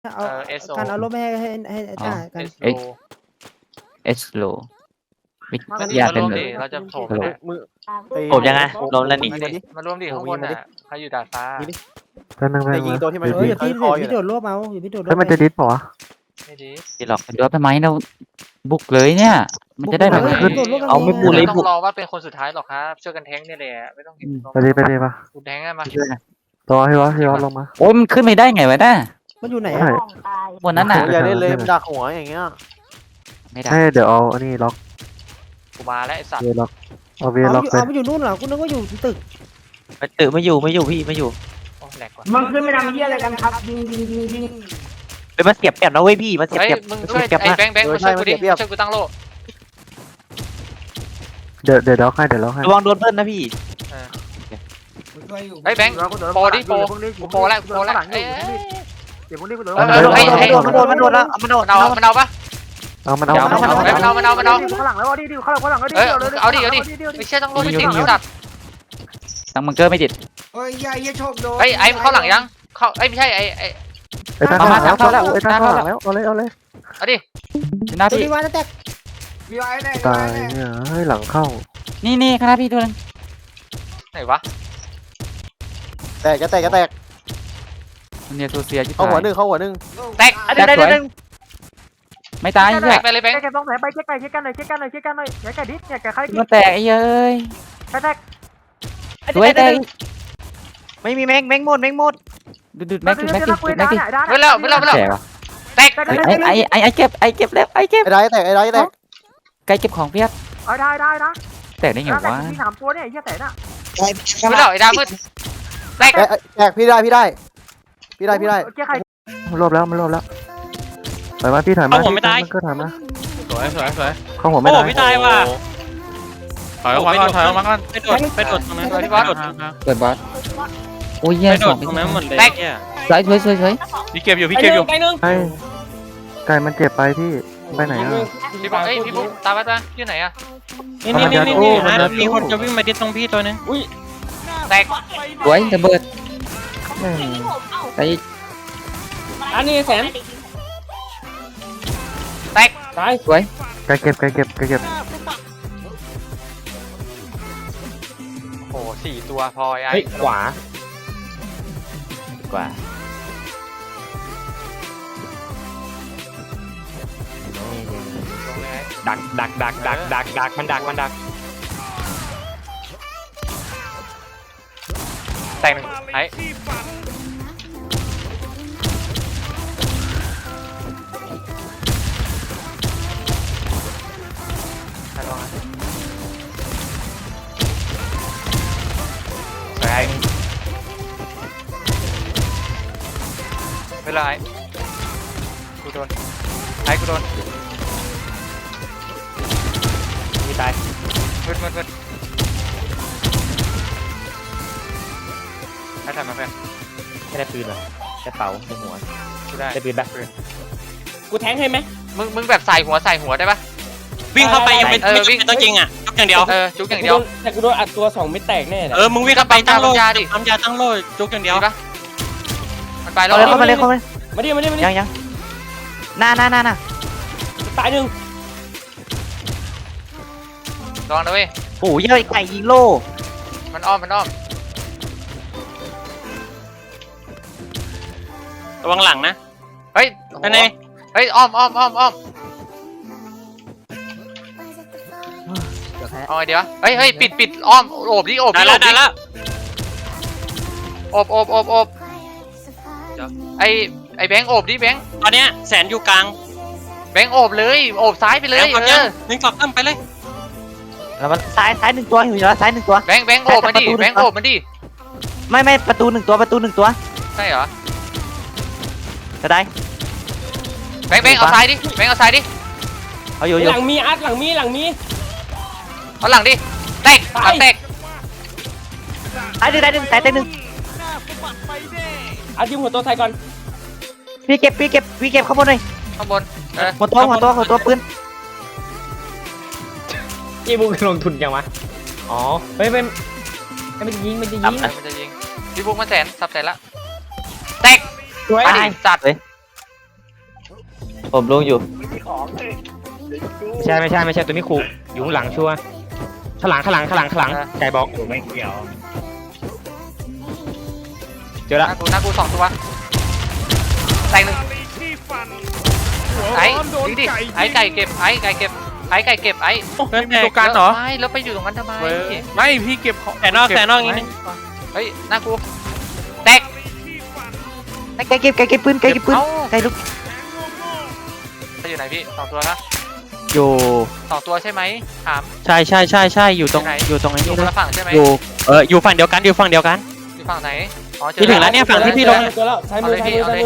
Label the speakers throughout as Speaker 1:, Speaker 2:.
Speaker 1: เอา
Speaker 2: SO
Speaker 1: การเอารถไปให้จ้ากัน
Speaker 3: Slow วิท
Speaker 2: ก็ดี
Speaker 3: ยา
Speaker 2: มา
Speaker 3: เป็น
Speaker 2: ร่วม
Speaker 3: แบบ
Speaker 2: ดิเราจะโถมกันนะ
Speaker 4: ผมยังไงลงแล้วนี่
Speaker 2: มาร่วมดิข้างบนอ่ะใครอยู่ดาดฟ้า
Speaker 5: ก็นั่ง
Speaker 6: จะยิงตัวที่มัน
Speaker 1: อย่าพี่
Speaker 6: คออยู่
Speaker 1: พี่โดดรวบเอาอย่าพี่โดดรว
Speaker 5: แล้ว
Speaker 1: บ
Speaker 5: มันจะดิสป่าวะ
Speaker 2: ไม่ดี
Speaker 3: ที่หลอกกันด้วยทำไมเราบุกเลยเนี่ย มันจะได้แบบ เอาไม่พูดเลย
Speaker 2: ไม่ต้องรอว่าเป็นคนสุดท้ายหรอกครับช่วยกันแทงนี่แหละไม่ต้อง
Speaker 5: ไปดิปะ
Speaker 2: คุณแทงอะมา
Speaker 5: รอให้วะลงมา
Speaker 3: โอ้ยมันขึ้นไม่ได้ไงวะน่ะ
Speaker 1: มันอยู่ไหน
Speaker 5: ใช่
Speaker 1: อ่ะ
Speaker 3: บนนั้นน่ะ
Speaker 6: อย่าได้เลยดักหัวอย่างเงี้ย
Speaker 3: ไม่ได้
Speaker 5: ใช่เดี๋ยวเอาอันนี้ล็อก
Speaker 2: กูมาแล้วไอ้สัตว์
Speaker 5: เวล็อกเอาเว
Speaker 1: เอา
Speaker 5: ล็อกไป
Speaker 1: มันอยู่นู่นเหรอกูนึกว่าอยู่ตึก
Speaker 4: ตื่นไม่อยู่พี่ไม่อยู่
Speaker 2: โอ้แหลกว่ะ
Speaker 7: มันขึ้นไม่ทำเหี้ยอะไรกันครับยิง
Speaker 4: เป็นมันเสียบแปบนะเว้ยพี่มันเสียบ
Speaker 2: เฮ้ย
Speaker 4: แปบ
Speaker 2: มึงช่วยไอ้แบงค์มาช่วยกูดิช่วยกูตั้งโล่
Speaker 5: เดี๋ยวให้เดี๋ยวให้
Speaker 4: ระวังโดนเบิ้ลนะพี่
Speaker 2: ไอ้แบงค์โปรดิโปรกูโปรแล้วกูโปรแล้วเอ้ย
Speaker 6: เดี๋ยวพวกนี้กูโดน
Speaker 4: มันโดนแล้วมันโดน
Speaker 2: มันเอาปะ
Speaker 5: เอามัน
Speaker 2: มันเอาข้างหลังแล้วดิข้างหลังดิเอาดิไม่เชื่อต้องโล่ให้ติดสัตว์
Speaker 3: ตั้งบังเกอร์ไม่ติด
Speaker 7: เฮ้ยยายโชคโดน
Speaker 2: ไอ้เข้าหลังยังเข้าไอ้ไม่ใช่ไอ้
Speaker 5: ไอ้ท่านข้างหลังแล้วไอ้ท่านข้างหลังแล้วเอาเลย
Speaker 2: เอาดิ
Speaker 3: ชนะ
Speaker 1: ตัว
Speaker 3: พี่
Speaker 1: นี้ว่าแตก
Speaker 7: พี่ไอ้แน่
Speaker 5: ตายเนี่ยเฮ้ยหลังเข้า
Speaker 3: นี่คณะพี่ตัวนึง
Speaker 2: ไหนวะ
Speaker 6: แตกจะแตก
Speaker 3: มันเนี่ยตัวเสียที่
Speaker 6: เข้าหัวหนึ่ง
Speaker 2: แตก
Speaker 3: แตกสวยไม่ตาย
Speaker 2: แต
Speaker 3: เหี้ย
Speaker 2: กไปเลยแบงค์
Speaker 6: แกต้องไหนไปเช็คกันหน่อยแกดิสเนี่ยแกใคร
Speaker 3: มันแตกไอ้เอ้ย
Speaker 6: แตก
Speaker 3: สวยแตก
Speaker 4: ไม่มีแมงหมด
Speaker 3: ดูดแม็กดิ
Speaker 2: ไม่แล้ว
Speaker 3: แตกวะ
Speaker 2: แตก
Speaker 3: ไอ้เก็บแล้วไอ้เก็บ
Speaker 6: ไอ้ได้แตก
Speaker 3: ไก่เก็บของเพียบ
Speaker 6: ได้นะ
Speaker 3: แตกได้ไงวะ
Speaker 6: มี3ตัวเนี่ยไอ้เหี้ยแตกน่ะ
Speaker 2: ไม่แล้วไอ้ดามืดแตก
Speaker 6: แตกพี่ได้เจ๊ใคร
Speaker 5: มันรวบแล้วถอยมาพี่ถอยมามันก็ถอยมา
Speaker 8: สวย
Speaker 5: เข้าหัว
Speaker 8: โอ้
Speaker 5: ไม่ได้
Speaker 8: ไม่ตายว่ะถอยออกมาก่อนไปโดดตรงนั้น
Speaker 3: เปิดบอสโอ้ยแย่
Speaker 8: ไปโด
Speaker 3: สอ
Speaker 8: ด
Speaker 3: ง
Speaker 8: ตรงนั้นหมดเลยเนี่ย
Speaker 3: สวย
Speaker 8: พี่เก็บอยู่
Speaker 7: ไปหนึ่ง
Speaker 5: ไก่มันเจ็บไปพี่ไปไหนอ่ะ
Speaker 2: พี่บุ๊กตามไปที่ไหนอะ
Speaker 8: นี่มีคนจะวิ่งมาที่ตรงพี่ตัวนึง
Speaker 2: แตก
Speaker 3: สวยระเบิดไอ้
Speaker 7: อันนี้แสน
Speaker 2: แตก
Speaker 7: ตาย
Speaker 3: สวย
Speaker 5: ไก่เก็บ
Speaker 2: โอ้4ตัวพอไอ้
Speaker 7: เฮ้ยขวา
Speaker 3: กว่า
Speaker 7: ดักมันดัก
Speaker 2: แตกหนึ่งไอ้สวยไม่ไรกูโดนกูโดน
Speaker 7: มีตาย
Speaker 2: มืดให้ทำมาเพื่อน
Speaker 7: ไม่ได้ปืนหรอแค่เป๋าในหัว
Speaker 2: กูได้
Speaker 7: ได้ปืนปะกูแทงให้ไหม
Speaker 2: มึงแบบใส่หัวได้ปะ
Speaker 8: วิ่งเข้าไปยังไม่ต้องจริงอ่ะจุกอย่างเดียว
Speaker 2: จุกอย่างเดียว
Speaker 7: แต่กูโดนอัดตัว2ไม่แตกแน่เลย
Speaker 8: มึงวิ่งเข้าไปตั้งโล่
Speaker 2: ยาดิ
Speaker 8: ทำยาตั้งโล่จุกอย่างเดียว
Speaker 2: ดีปะมันไปแล้ว
Speaker 4: เข้ามาเลย
Speaker 7: มาดิ
Speaker 4: ยังหน้า
Speaker 7: ตายหนึ่ง
Speaker 2: ลองนะเว้ย
Speaker 4: โอ้ยยไก่ยิงโล่
Speaker 2: มันอ้อม
Speaker 8: ระวังหลังนะ
Speaker 2: เฮ้ย
Speaker 8: ไปไหน
Speaker 2: เฮ้ยอ้อมเอาไงดีวะเฮ้ยปิดอ้อมโอบดิ
Speaker 8: ได้แล้ว
Speaker 2: โอบไอ้แบงค์โอบดิแบงค์
Speaker 8: ตอนเนี้ยแสนอยู่กลาง
Speaker 2: แบงค์โอบเลยโอบซ้ายไปเลย
Speaker 8: นึงกลับขึ้นไปเลย
Speaker 4: แล้วมันซ้าย1ตัวอยู่แล้วซ้าย1ตัว
Speaker 2: แบงค์โอบมันดิแบงค์โอบมันดิ
Speaker 4: ไม่ประตู1ตัว
Speaker 2: ใช่เหรอ
Speaker 4: จะได้
Speaker 2: แบงค์เอาซ้ายดิแบงค์เอาซ้ายดิ
Speaker 4: เอาอยู่
Speaker 7: หลังมีอัดหลังมี
Speaker 2: เอาหลังดิแตกหลังแตก
Speaker 4: ซ้ายหนึ่ง
Speaker 7: เอาทีมหัวตัวใส่ก่อน
Speaker 4: พี่เก็บข้างบนเลย
Speaker 2: ข้างบน
Speaker 4: หัวตัวปืน
Speaker 7: จีบุกลงทุนยังวะอ๋อไม่มันจะยิง
Speaker 2: มันจะยิงพี่บุ๊กมันสับแสนละแตก
Speaker 7: สวย
Speaker 2: ไปดิจัด
Speaker 4: ผมลงอยู่
Speaker 7: ไม่ใช่ตัวนี้ครูอยู่ข้างหลังชัวร์ข้างหลังไก่บอกไม่เกี่ยวเจอ
Speaker 2: ห
Speaker 7: ละ
Speaker 2: น้ากู2ตัวแตกหนึ่งไอ้ดิดิไอ้ไก่เก็บไอ้ไก่เก็บไอ้ไก่เก็บไอ้
Speaker 8: เฮ้ยมีตัวกันเหรอ
Speaker 2: ไม่แล้วไปอยู่ตรงนั้นทำไม
Speaker 8: ไม่พี่เก็บของ
Speaker 4: แต่นอกนิดนึง
Speaker 2: เฮ้ยหน้ากูแตก
Speaker 4: ไก่เก็บปืนไก่ลุก
Speaker 2: ไปอยู่ไหนพี่2ตัวนะ
Speaker 4: อยู่
Speaker 2: 2ตัวใช่ไหมถาม
Speaker 4: ใช่อยู่ตรงไอ้
Speaker 2: อยู่
Speaker 4: นี่
Speaker 2: คน
Speaker 4: เลย
Speaker 2: ละฝั่งใช่ไหม
Speaker 4: อยู่ฝั่งเดียวกัน
Speaker 2: อยู่ฝั่งไหนอ๋อเจอ
Speaker 4: พี่ถึงแล้วเนี่ยฝั่งที่พี่ลง
Speaker 7: เจอแล้วใช้
Speaker 2: เอา
Speaker 7: มือ
Speaker 2: เลย
Speaker 7: ใช้
Speaker 2: พี่
Speaker 7: มือ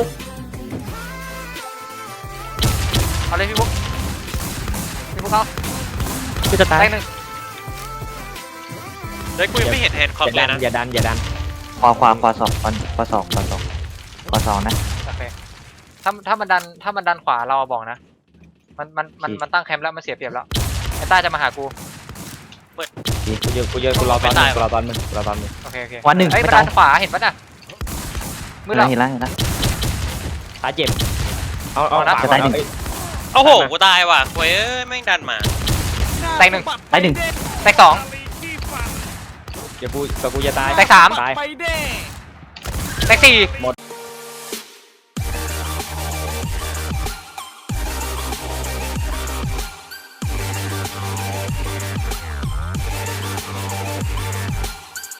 Speaker 2: เอาเลยพี่บุ๊กเอา
Speaker 4: พี่จะตาย
Speaker 2: แตกหนึ่ง
Speaker 8: เฮ้ยกูยังไม่เห็นแฮนด์คอมเลยนะ
Speaker 7: อย่าดัน
Speaker 3: ขวาสองนะ
Speaker 2: โอเคถ้ามันดันขวาเราบอกนะมันตั้งแคมป์แล้วมันเสียเปรียบแล้วไอ้ต้าจะมาหากู
Speaker 7: กูรอตอนมึง
Speaker 2: โอเค
Speaker 3: วันหนึ่ง
Speaker 2: เฮ้ย
Speaker 3: ไม่
Speaker 2: มัน
Speaker 3: ตา
Speaker 2: ดั
Speaker 3: ย
Speaker 2: นขวาเห็นปะน่ะมือเรา
Speaker 3: เห็นแล้ว
Speaker 7: ขาเจ็บเอา
Speaker 3: จะตายหนึ่ง
Speaker 8: โอ้โหกูตายว่ะเว้ยแม่งดันมา
Speaker 2: แตกหนึ่ง
Speaker 3: ตายหนึ่ง
Speaker 2: แตกสอง
Speaker 7: เดี๋ยวกูจะตาย
Speaker 2: แตกสาม
Speaker 7: ตาย
Speaker 2: แตกสี่
Speaker 7: หมด